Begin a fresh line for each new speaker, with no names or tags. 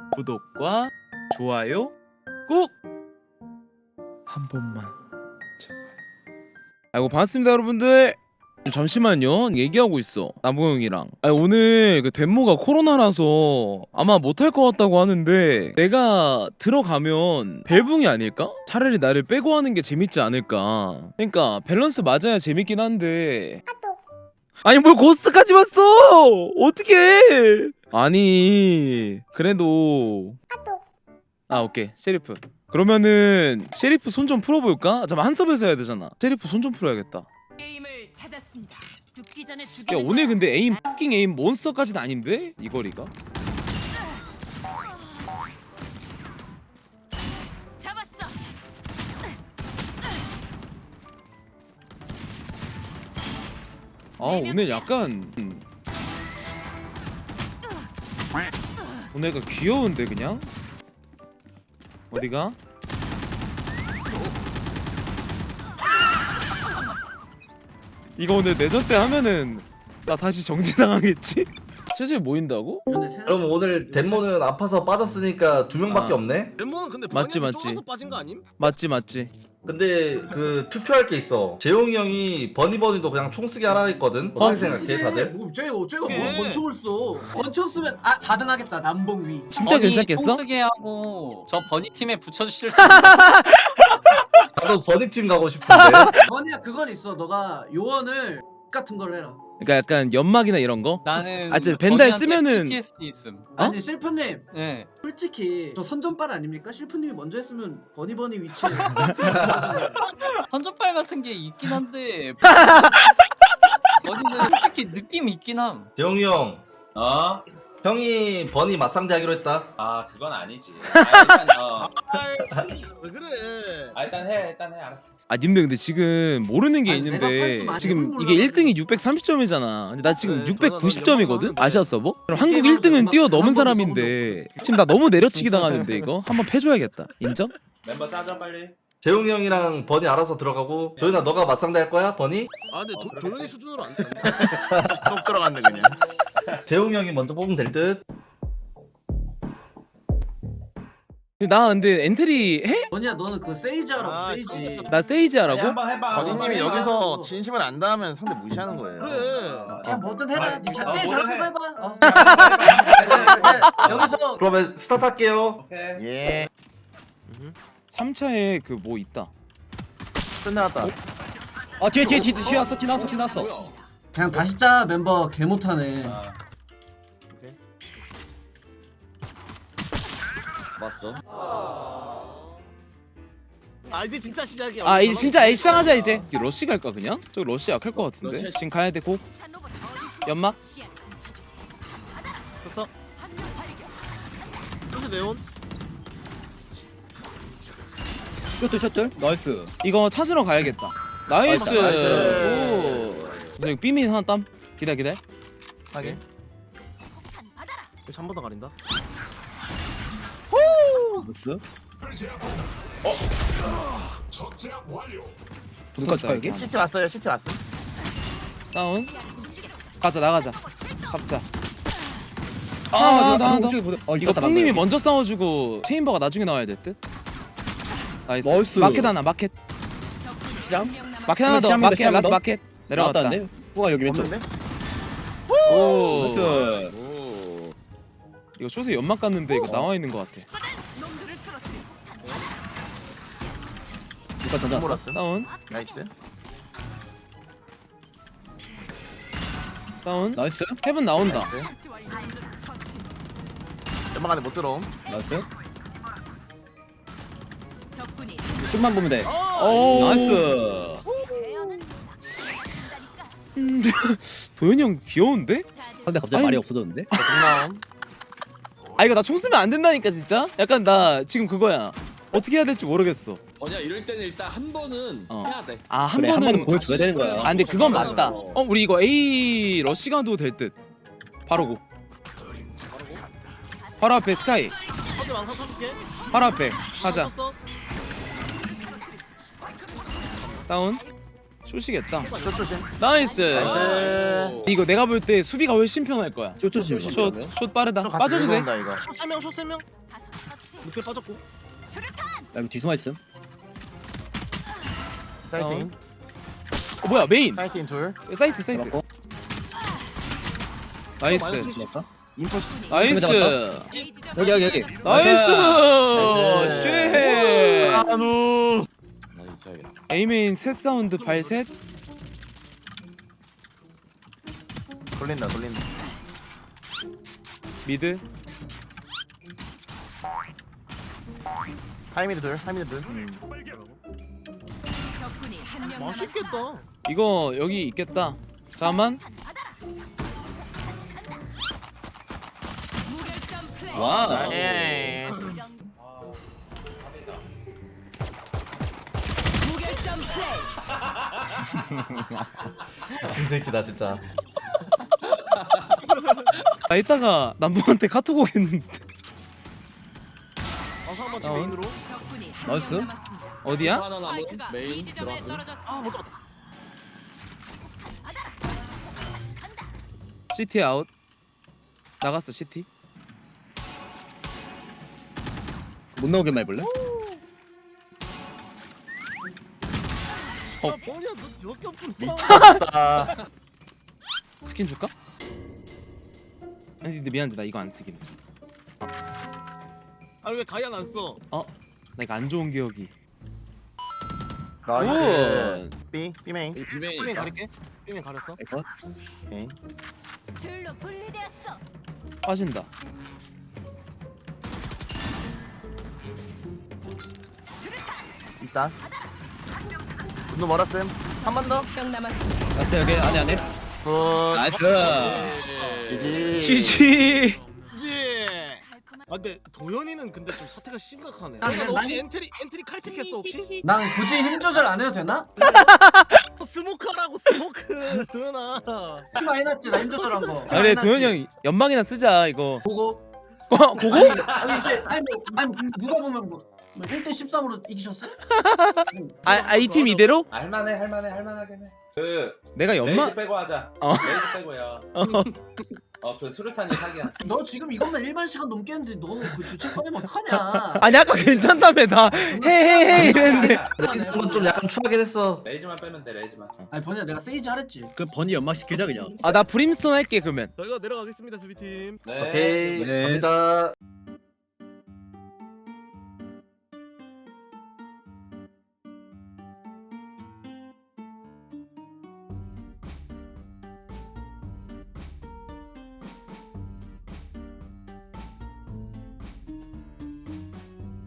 구독과 좋아요 꼭 한 번만 제발. 아이고 반갑습니다 여러분들. 잠시만요 얘기하고 있어 나무형이랑. 오늘 그 덴모가 코로나라서 아마 못할 것 같다고 하는데 내가 들어가면 벨붕이 아닐까? 차라리 나를 빼고 하는 게 재밌지 않을까. 그러니까 밸런스 맞아야 재밌긴 한데 아니 뭘 고스까지 왔어 어떡해. 아니 그래도 오케이 셰리프. 그러면은 셰리프 손 좀 풀어볼까? 잠깐 한 서버에서 해야 되잖아. 셰리프 손 좀 풀어야겠다.
게임을 찾았습니다. 죽기 전에
야
죽이는
오늘
거야.
근데 에임 X킹 에임 몬스터까지는 아닌데? 이 거리가?
잡았어.
오늘 약간 오늘 약간 귀여운데 그냥? 어디가? 이거 오늘 내전 때 하면은 나 다시 정지당하겠지? 슬슬 모인다고?
그럼 오늘 덴모는 아파서 빠졌으니까 두 명밖에
아.
없네?
덴모는 근데
맞지,
방향이
맞지.
좁아서 빠진 거 아님?
맞지.
근데 그 투표할 게 있어. 재용이 형이 버니버니도 그냥 총 쓰게 하라 했거든. 어떻게 생각해 다들?
뭐 쟤가 뭘
예.
권총을 써? 권총 쓰면 4등 하겠다. 남봉 위.
진짜 괜찮겠어?
총쓰게 하고 저 버니 팀에 붙여주실 수
나도 버니팀 가고 싶은데.
버니야 그건 있어. 너가 요원을 같은 걸 해라.
그러니까 약간 연막이나 이런 거?
나는
진짜 벤달
버니한테
쓰면은-
PTSD 있음.
아니 실프님
예.
솔직히 저 선전빨 아닙니까? 실프님이 먼저 했으면 버니 위치에
선전발 같은 게 있긴 한데 버니는 솔직히 느낌 있긴 함.
재용이 형,
어?
형이 버니 맞상대 하기로 했다.
아 그건 아니지. 일단
왜 그래?
일단 해 알았어.
님들 근데 지금 모르는 게
아니, 내가
있는데
팔수 많이
지금
해본
이게
몰라가지고.
1등이 630점이잖아. 근데 나 지금
그래,
690점이거든?
저는
아시아 서버? 그럼 한국
게임하면서
1등은
음악
뛰어넘은
한 번도
사람인데 지금 나 너무 내려치기 당하는데 이거? 한번 패줘야겠다. 인정?
멤버 짜자 빨리.
재용이 형이랑 버니 알아서 들어가고. 도현아 너가 맞상대 할 거야? 버니?
아 근데 도현이 수준으로 안 돼. 쏙 들어갔네 그냥.
재용이 형이 먼저 뽑으면 될 듯.
근데 나 근데 엔트리 해?
버니야 너는 그 세이지 하라고 세이지.
나 세이지 하라고?
한번 해봐.
버니님이
해봐.
여기서 진심을 안 다하면 상대 무시하는 거예요. 그래.
그냥 뭐든 해라. 네
어,
제일
뭐든
잘하는
해.
거 해봐. 그래, 여기서
그러면 스타트 할게요.
오케이.
예.
3차에 그 뭐 있다.
끝나갔다.
뒤에 왔어.
그냥 다시 짜 멤버 개 못하네.
봤어?
아 이제 진짜 시작이야.
이제 진짜 시작하자 이제. 러쉬 갈까 그냥? 저 러쉬 약할 것 같은데. 지금 가야 돼 고. 연막?
됐어. 이제 네온.
셔틀 나이스.
이거 찾으러 가야겠다. 나이스.
나이스.
오. 이거 삐민 하나 땀. 기다려.
하게. 한번 더 가린다.
나이스.
붙었다,
갈게.
이거.
시티 왔어요. 시티 왔어.
다운. 가자 나가자. 잡자.
나
이거
이거
뽕님이 먼저 싸워주고 체인버가 나중에 나와야 될 듯. 나이스.
나이스.
마켓 하나 마켓.
시장?
마켓 하나 더.
시작합니다,
마켓
시작합니다.
라스 마켓. 내려갔다.
나왔다는데? 뿌가 여기 왼쪽.
없는데?
오.
나이스.
오.
이거 쇼세 연막 갔는데 이거 나와 있는 것 같아.
놈들을 쓰러뜨려.
누가 던져놨어?
몰랐어.
다운.
나이스.
다운.
나이스.
헤븐 나온다.
처치 완료. 처치.
연막 안에 못 들어옴.
나이스.
적군이
좀만 보면 돼.
오.
나이스.
대여는
도현이 형 귀여운데?
근데 갑자기
아니,
말이 없어졌는데?
중나옴.
이거 나 총 쓰면 안 된다니까 진짜? 약간 나 지금 그거야. 어떻게 해야 될지 모르겠어.
이럴 때는 일단 한 번은 해야 돼.
한
그래 한
번은
번은 보여줘야 되는 거야.
근데 그건 맞다. 우리 이거 A 러시 가도 될 듯. 바로 고. 바로 앞에 스카이.
한대 왕사 쳐줄게.
바로 앞에. 가자.
쳤어.
다운. 쇼시겠다.
저 조심.
나이스.
나이스.
이거 내가 볼 때 수비가 훨씬 편할 거야.
쇼조심.
숏 빠르다. 빠져도 돼.
이거. 숏 3명, 숏 3명.
다섯 처치.
늦게 빠졌고.
나 이거 뒤숨어 있음.
사이트인.
뭐야 메인.
사이트인 둘.
사이트.
잡았고.
나이스.
잡았어.
인포.
나이스.
A 지점
여기.
나이스. 쉣.
아누.
에이메인 셋 사운드 발셋.
돌린다.
미드.
하이미드 둘.
적군이 한 명 남았습니다.
맛있겠다.
이거 여기 있겠다. 잠만.
무결점 플레이.
와.
나이스.
무결점 플레이.
미친 새끼다 진짜.
나 이따가 남봉한테 카톡 오겠는데.
상마 집 메인으로.
적군이 한
나이스.
명 남았습니다.
어디야?
하나 남은
스파이크가 B
메인
지점에
들어왔어.
떨어졌습니다.
아, 못 잡았다.
CT 아웃. 나갔어 CT.
못 나오게만 해볼래?
아, 뭐냐, 너 여기 없구나.
스킨 줄까? 아니 근데 미안한데 나 이거 안 쓰긴 해.
아니 왜 가이안 안 써?
나 이거 안 좋은 기억이.
나이스. B 메인.
비메인.
B메인 가릴게. B메인 가렸어.
에컷.
오케이.
둘로 분리되었어.
빠진다.
일단. 너 멀었음. 한 번 더.
명 남았습니다.
나이스 여기 안에.
굿.
나이스.
GG.
그지. 아 근데 도현이는 근데 좀 사태가 심각하네.
아,
너 혹시
난-
엔트리 칼픽했어 혹시?
난 굳이 힘 조절 안 해도 되나?
스모크하라고 스모크. 도현아.
티마 해놨지 나 힘 조절한 거.
아 그래 도현이 형 연막이나 쓰자 이거.
보고.
보고?
아니 이제 아니 누가 보면 뭐 1대 13으로 이기셨어?
이 팀 이대로?
할만하긴 해. 그
내가
레이즈
연막?
빼고 하자.
어.
레이즈 빼고요. 그 수류탄이 사기야.
너 지금 이것만 일반 시간 넘게 했는데 너 그 주책 꺼내면 어떡하냐?
아니 아까 괜찮다며 나 해해해 이랬는데.
레이즈는 좀 약간 추하긴 했어.
레이즈만 빼면 돼. 레이즈만.
아니 번이야 내가 세이지 하랬지.
그 버니 연막 시키자 그냥.
나 브림스톤 할게 그러면.
저희가 내려가겠습니다 수비팀.
네.
오케이.
네.
갑니다.